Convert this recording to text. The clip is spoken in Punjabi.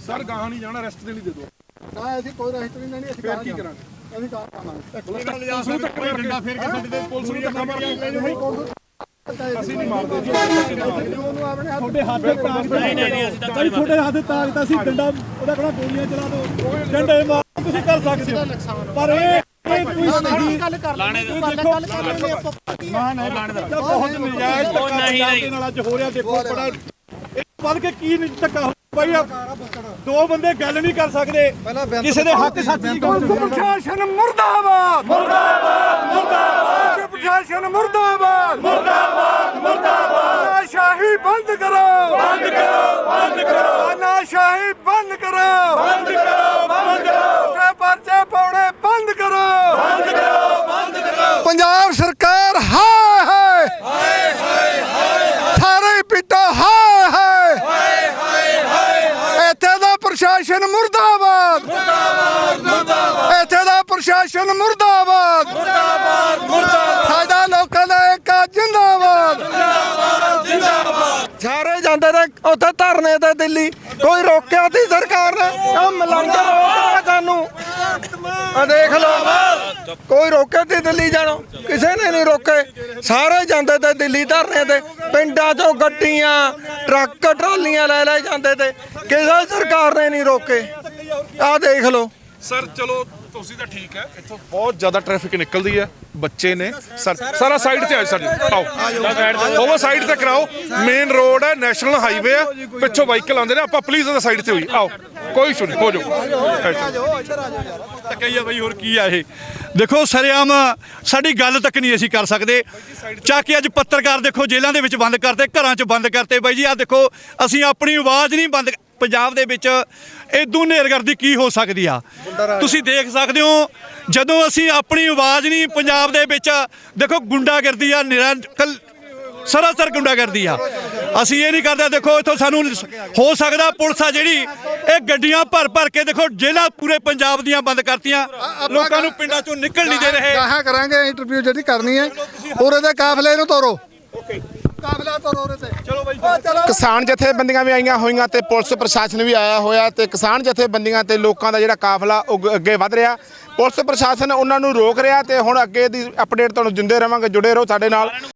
ਸਰ ਗਾਹਾਂ ਨਹੀਂ ਜਾਣਾ, ਰੈਸਟ ਦੇ ਲਈ ਦੇ ਦਿਓ। ਨਾ ਅਸੀਂ ਕੋਈ ਰੈਸਟ ਨਹੀਂ ਲੈਣੀ, ਅਸੀਂ ਫਿਰ ਕੀ ਕਰਾਂਗੇ? ਅਸੀਂ ਕਾਰ ਪਾਵਾਂਗੇ। ਪੁਲਿਸ ਨੂੰ ਧੱਕਾ ਮਾਰ ਕੇ ਅਸੀਂ ਨਹੀਂ ਮਾਰਦੇ ਜੀ। ਉਹਨੂੰ ਆਪਣੇ ਹੱਥ ਤੁਹਾਡੇ ਹੱਥ ਤਾਰ ਨਹੀਂ ਅਸੀਂ ਤੁਹਾਡੇ ਹੱਥ ਤਾਰ ਦਿੱਤਾ ਸੀ ਡੰਡਾ ਉਹਦਾ ਕਹਿੰਦਾ ਗੋਲੀਆਂ ਚਲਾ ਦੋ ਡੰਡੇ ਮਾਰ ਤੁਸੀਂ ਕਰ ਸਕਦੇ ਹੋ ਪਰ ਇਹ ਕੋਈ ਗੱਲ ਕਰ ਲਾਣੇ ਦਾ ਨਾ ਨਾ ਲਾਣੇ ਦਾ ਬਹੁਤ ਨਜਾਇਜ਼ ਧੱਕਾ ਨਾਲ ਅੱਜ ਹੋ ਰਿਹਾ। ਦੇਖੋ ਬੜਾ ਵੱਧ ਕੇ ਕੀ ਧੱਕਾ ਭਾਈ ਦੋ ਬੰਦੇ ਗੱਲ ਨਹੀਂ ਕਰ ਸਕਦੇ ਕਿਸੇ ਦੇ ਹੱਕ ਸੱਚ ਨਹੀਂ ਗੱਲ। ਪ੍ਰਸ਼ਾਸਨ ਮੁਰਦਾਬਾਦ ਮੁਰਦਾਬਾਦ ਮੁਰਦਾਬਾਦ ਪ੍ਰਸ਼ਾਸਨ ਮੁਰਦਾਬਾਦ ਮੁਰਦਾਬਾਦ ਮੁਰਦਾਬਾਦ ਨਾਸ਼ਾਹੀ ਬੰਦ ਕਰੋ ਬੰਦ ਕਰੋ ਬੰਦ ਕਰੋ ਨਾਸ਼ਾਹੀ ਬੰਦ ਕਰੋ ਬੰਦ ਕਰੋ ਬੰਦ ਕਰੋ ਤੇ ਪਰਚੇ ਪਾਉਣੇ ਬੰਦ ਕਰੋ ਬੰਦ ਕਰੋ ਬੰਦ ਕਰੋ। ਪੰਜਾਬ ਸਰਕਾਰ ਹਾਏ ਹਾਏ ਹਾਏ ਹਾਏ ਹਾਏ ਸਾਰੇ ਪਿੱਟੋ ਹਾਏ ਹਾਏ ਹਾਏ ਹਾਏ ਹਾਏ ਇੱਥੇ ਦਾ ਪ੍ਰਸ਼ਾਸਨ ਮੁਰਦਾਬਾਦ ਮੁਰਦਾਬਾਦ ਮੁਰਦਾਬਾਦ ਇੱਥੇ ਦਾ ਪ੍ਰਸ਼ਾਸਨ ਮੁਰਦਾਬਾਦ ਮੁਰਦਾਬਾਦ ਮੁਰਦਾਬਾਦ ਸਾਡਾ ਲੋਕਾਂ ਦਾ ਇੱਕ ਜਿੰਦਾਬਾਦ ਜਿੰਦਾਬਾਦ ਜਿੰਦਾਬਾਦ। ਸਾਰੇ ਜਾਂਦੇ ਨੇ ਉੱਥੇ ਧਰਨੇ ਤੇ ਦਿੱਲੀ, ਕੋਈ ਰੋਕਿਆ ਤੀ ਸਰਕਾਰ ਨੇ? ਕੰਮ ਲੰਘ ਰੋਕਦਾ ਕਾਨੂੰ ਆ ਦੇਖ ਲਓ, ਕੋਈ ਰੋਕੇ ਤੀ ਦਿੱਲੀ ਜਾਣੋ? ਕਿਸੇ ਨੇ ਨਹੀਂ ਰੋਕੇ। ਸਾਰੇ ਜਾਂਦੇ ਤੇ ਦਿੱਲੀ ਧਰਨੇ ਤੇ, ਪਿੰਡਾਂ ਚੋਂ ਗੱਡੀਆਂ ਟਰੱਕ ਟਰਾਲੀਆਂ ਲੈ ਲੈ ਜਾਂਦੇ ਤੇ, ਕਿਸੇ ਸਰਕਾਰ ਨੇ ਨਹੀਂ ਰੋਕੇ। ਆ ਦੇਖ ਲਓ। ਸਰ ਚਲੋ ਤੁਸੀਂ ਤਾਂ ਠੀਕ ਹੈ, ਇੱਥੋਂ ਬਹੁਤ ਜ਼ਿਆਦਾ ਟ੍ਰੈਫਿਕ ਨਿਕਲਦੀ ਹੈ, ਬੱਚੇ ਨੇ। ਸਾਰਾ ਸਾਈਡ ਤੇ ਆਓ, ਸਾਡੇ ਆਓ ਉਹ ਸਾਈਡ ਤੇ ਕਰਾਓ। ਮੇਨ ਰੋਡ ਹੈ, ਨੈਸ਼ਨਲ ਹਾਈਵੇ ਹੈ, ਪਿੱਛੋਂ ਵਾਹੀਕਲ ਆਉਂਦੇ ਨੇ। ਆਪਾਂ ਪਲੀਜ਼ ਉਹਦਾ ਸਾਈਡ ਤੇ ਹੋਈ ਆਓ, ਕੋਈ ਇਸ਼ੂ ਨਹੀਂ, ਹੋ ਜਾਓ। ਧੱਕਾ ਬਈ ਹੋਰ ਕੀ ਆ ਇਹ? ਦੇਖੋ ਸਰੇਆਮ ਸਾਡੀ ਗੱਲ ਤੱਕ ਨਹੀਂ ਅਸੀਂ ਕਰ ਸਕਦੇ। ਚੱਕ ਕੇ ਅੱਜ ਪੱਤਰਕਾਰ ਦੇਖੋ ਜੇਲ੍ਹਾਂ ਦੇ ਵਿੱਚ ਬੰਦ ਕਰਤੇ, ਘਰਾਂ 'ਚ ਬੰਦ ਕਰਤੇ। ਬਾਈ ਜੀ ਆ ਦੇਖੋ, ਅਸੀਂ ਆਪਣੀ ਆਵਾਜ਼ ਨਹੀਂ ਬੰਦ। ਪੰਜਾਬ ਦੇ ਵਿੱਚ ਇਦੋਂ ਹਨੇਰਗਰਦੀ ਕੀ ਹੋ ਸਕਦੀ ਆ ਤੁਸੀਂ ਦੇਖ ਸਕਦੇ ਹੋ। ਜਦੋਂ ਅਸੀਂ ਆਪਣੀ ਆਵਾਜ਼ ਨਹੀਂ ਪੰਜਾਬ ਦੇ ਵਿੱਚ, ਦੇਖੋ ਗੁੰਡਾਗਰਦੀ ਆ, ਸਰਾਸਰ ਗੁੰਡਾਗਰਦੀ ਆ। ਅਸੀਂ ਇਹ ਨਹੀਂ ਕਰਦੇ। ਦੇਖੋ ਇੱਥੋਂ ਸਾਨੂੰ ਹੋ ਸਕਦਾ ਪੁਲਿਸ ਆ ਜਿਹੜੀ ਇਹ ਗੱਡੀਆਂ ਭਰ ਭਰ ਕੇ ਦੇਖੋ ਜੇਲ੍ਹਾਂ ਪੂਰੇ ਪੰਜਾਬ ਦੀਆਂ ਬੰਦ ਕਰਤੀਆਂ, ਲੋਕਾਂ ਨੂੰ ਪਿੰਡਾਂ ਚੋਂ ਨਿਕਲ ਨਹੀਂ ਦੇ ਰਹੇ। ਗਾਹਾਂ ਕਰਾਂਗੇ ਇੰਟਰਵਿਊ ਜਿਹੜੀ ਕਰਨੀ ਹੈ, ਉਰੇ ਦੇ ਕਾਫਲੇ ਨੂੰ ਤੋਰੋ। ਕਾਫਲਾ ਤੋਰੋ ਉਰੇ ਤੇ। ਚਲੋ ਬਾਈ ਕਿਸਾਨ ਜਥੇਬੰਦੀਆਂ ਵੀ ਆਈਆਂ ਹੋਈਆਂ ਤੇ ਪੁਲਿਸ ਪ੍ਰਸ਼ਾਸਨ ਵੀ ਆਇਆ ਹੋਇਆ ਤੇ ਕਿਸਾਨ ਜਥੇਬੰਦੀਆਂ ਤੇ ਲੋਕਾਂ ਦਾ ਜਿਹੜਾ ਕਾਫਲਾ ਅੱਗੇ ਵਧ ਰਿਹਾ। ਪੁਲਿਸ ਪ੍ਰਸ਼ਾਸਨ ਉਹਨਾਂ ਨੂੰ ਰੋਕ ਰਿਹਾ ਤੇ ਹੁਣ ਅੱਗੇ ਦੀ ਅਪਡੇਟ ਤੁਹਾਨੂੰ ਦਿੰਦੇ ਰਵਾਂਗੇ। ਜੁੜੇ ਰਹੋ ਸਾਡੇ ਨਾਲ।